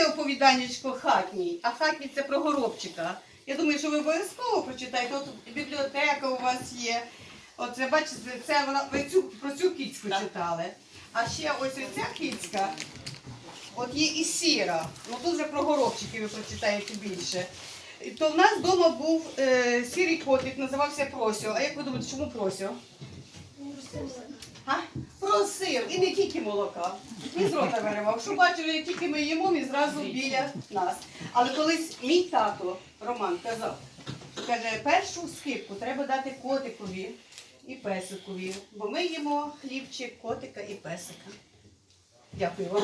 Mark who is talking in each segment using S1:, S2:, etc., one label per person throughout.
S1: не оповіданнячко хатній, а хатній це про Горобчика. Я думаю, що ви обов'язково прочитаєте. От бібліотека у вас є. Оце, бачите, це ви про цю кицьку читали. А ще ось оця кицька, от є і сіра. Ну тут вже про Горобчиків ви прочитаєте більше. То в нас вдома був сірий котик, називався Просьо. А як ви думаєте, чому Просьо? Просив. І не тільки молока. Він з рота виривав. Що бачили, як тільки ми їмо, він зразу біля нас. Але колись мій тато Роман казав, каже, першу скипку треба дати котикові і песикові, бо ми їмо хлібчик, котика і песика. Дякую вам.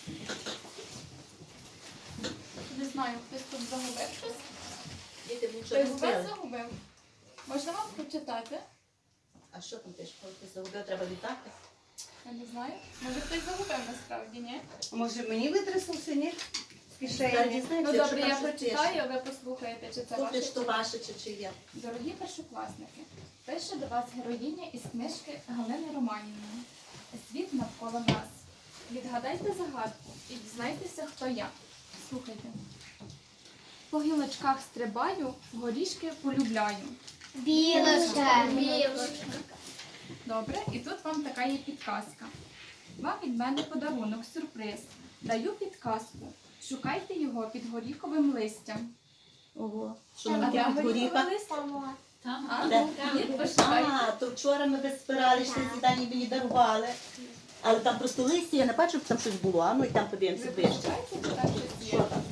S2: Не знаю, хтось тут загубив щось.
S3: Діти нічого не
S2: Хтось
S3: збили.
S2: вас загубив. Можна вам прочитати?
S3: А що там ти ж загубив, треба вітати?
S2: Я не знаю. Може хтось загубив насправді, ні?
S1: Може мені витрясався, ні? З
S3: Зараз
S1: кишені.
S3: дізнаємося,
S2: Ну
S3: якщо
S2: добре,
S3: там
S2: я
S3: щось
S2: прочитаю, а ви послухаєте, чи це
S3: пише. Слухай,
S2: ваше.
S3: що ваше чи чиє.
S2: Дорогі першокласники, пише до вас героїня із книжки Галини Романівни. Світ навколо нас. Відгадайте загадку і дізнайтеся, хто я. Слухайте. По гілочках стрибаю, горішки полюбляю.
S4: Білочка.
S2: Добре, і тут вам така є підказка. Вам від мене подарунок, сюрприз. Даю підказку. Шукайте його під горіховим листям.
S3: Ого. Що
S2: А
S3: ми
S2: де
S3: таке
S2: горіхове
S3: горіха?
S2: листя?
S3: А,
S2: А,
S3: де?
S2: ні, пошукайте.
S3: А, то вчора ми десь збирали, що зідані мені дарували. Але там просто листя, я не бачу, щоб там щось було. А ну і там подивимося ближче.
S2: Шукайте, чи там щось
S3: Що
S2: є.
S3: там?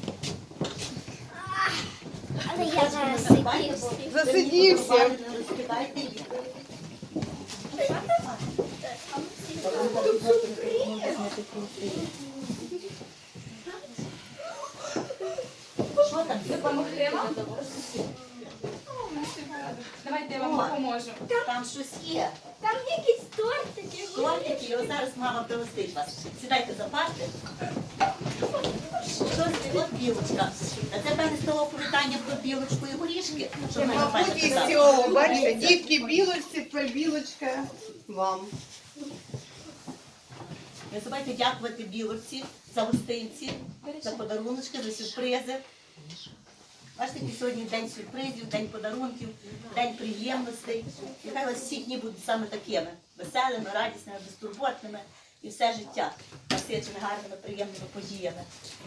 S4: Але я зараз
S3: Засипайте.
S1: Засидівся.
S3: Не розкидайте їх. Що там?
S2: Допомогти вам? Давайте я вам допоможу.
S3: Там щось є.
S4: Там якісь тортики.
S3: Тортики, його зараз мама пригостить вас. Сідайте за парти. Щось, от білочка. А це певне з того оповідання про білочку і горішки. Що ми
S1: Мабуть, із цього, бачите, дітки білочці, тепер білочка вам.
S3: Не забувайте дякувати білочці за гостинці, за подаруночки, за сюрпризи. Бачите, який сьогодні день сюрпризів, день подарунків, день приємностей. Нехай у вас всі дні будуть саме такими, веселими, радісними, безтурботними і все життя насичене гарними, приємними подіями.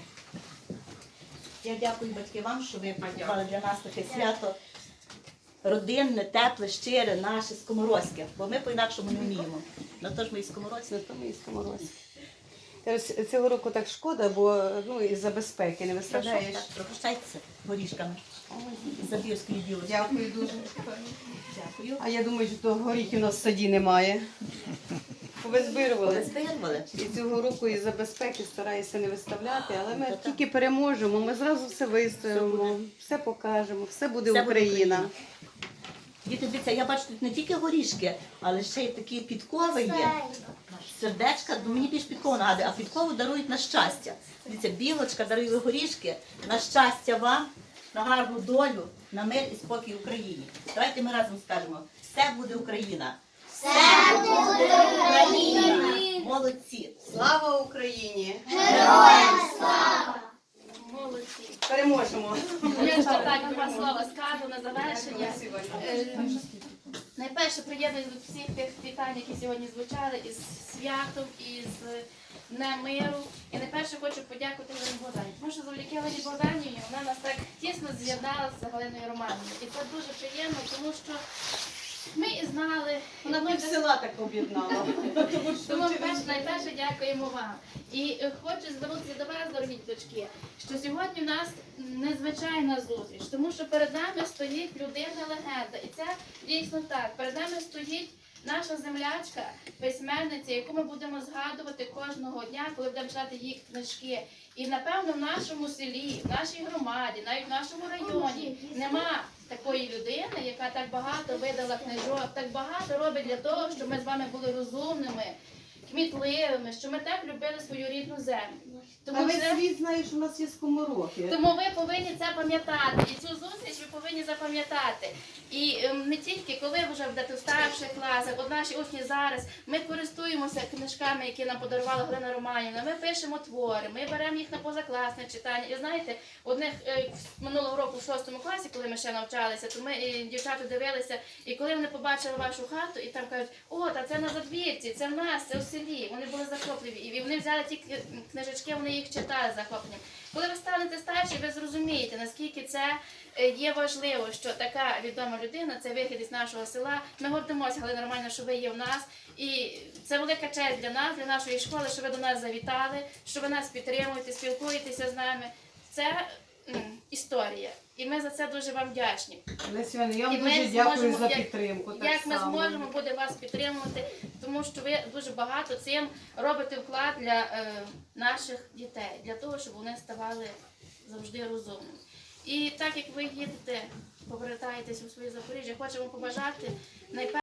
S3: Я дякую, батьки, вам, що ви приготували для нас таке свято родинне, тепле, щире, наше, скоморозьке, бо ми по-інакшому не вміємо. На то ж ми і скоморозькі.
S1: Тому і скоморозь. Цього року так шкода, бо із-за безпеки не виставляєш.
S3: Пригощайтеся горішками із Забірської білочки.
S1: Дякую дуже.
S3: Дякую.
S1: А я думаю, що того горіхів у нас в саді немає. Повизбирували.
S3: Вистоянували?
S1: І цього року із-за безпеки стараюся не виставляти, але ми тільки переможемо, ми зразу все виставимо, все покажемо, все буде
S3: Все буде
S1: Україна.
S3: Україна. Діти, дивіться, я бачу тут не тільки горішки, але ще й такі підкови є. Сердечка, мені більш підкову нагадує, а підкову дарують на щастя. Дивіться, білочка дарує горішки на щастя вам, на гарну долю, на мир і спокій Україні. Давайте ми разом скажемо: все буде Україна! Все буде Україна! Молодці!
S1: Слава Україні!
S2: Молодці.
S1: Переможемо!
S2: Я ще так два слова скажу на завершення. Найперше приєднуюсь до всіх тих вітань, які сьогодні звучали, із святом, із Днем миру. І найперше хочу подякувати Галині Богданівні, тому що завдяки Галині Богданівні вона нас так тісно з'єднала з Галиною Романівною. І це дуже приємно, тому що ми і знали, і
S1: Вона
S2: ми
S1: пів села так об'єднала.
S2: тому найперше дякуємо вам. І хочу звернутися до вас, дорогі дочки, що сьогодні в нас незвичайна зустріч, тому що перед нами стоїть людина-легенда. І це дійсно так. Перед нами стоїть наша землячка, письменниця, яку ми будемо згадувати кожного дня, коли будемо читати її книжки. І напевно в нашому селі, в нашій громаді, навіть в нашому районі нема такої людини, яка так багато видала книжок, так багато робить для того, щоб ми з вами були розумними, кмітливими, щоб ми так любили свою рідну землю.
S1: Та
S2: Тому
S1: весь
S2: це-
S1: світ знає, що у нас є скоморохи.
S2: Тому ви повинні це пам'ятати. І цю зустріч ви повинні запам'ятати. І не тільки коли ви вже будете в старших класах, от наші учні зараз, ми користуємося книжками, які нам подарувала Галина Романівна, ми пишемо твори, ми беремо їх на позакласне читання. І знаєте, одних минулого року в 6 класі, коли ми ще навчалися, то ми дівчата дивилися, і коли вони побачили вашу хату, і там кажуть, о, та це на задвірці, це в нас, це в селі. Вони були захопливі. І вони взяли ті книжечки, вони їх читали з захопленням. Коли ви станете старші, ви зрозумієте, наскільки це є важливо, що така відома людина, це вихід із нашого села. Ми гордимося, Галина Романівна, що ви є в нас. І це велика честь для нас, для нашої школи, що ви до нас завітали, що ви нас підтримуєте, спілкуєтеся з нами. Це історія. І ми за це дуже вам вдячні.
S1: Леся Іванівна, я вам
S2: І ми
S1: дуже дякую
S2: зможемо,
S1: за
S2: як-
S1: підтримку. Так
S2: Як ми
S1: само.
S2: зможемо буде вас підтримувати, тому що ви дуже багато цим робите вклад для наших дітей, для того, щоб вони ставали завжди розумними. І так як ви їдете, повертаєтесь у своє Запоріжжя, хочемо побажати найперше.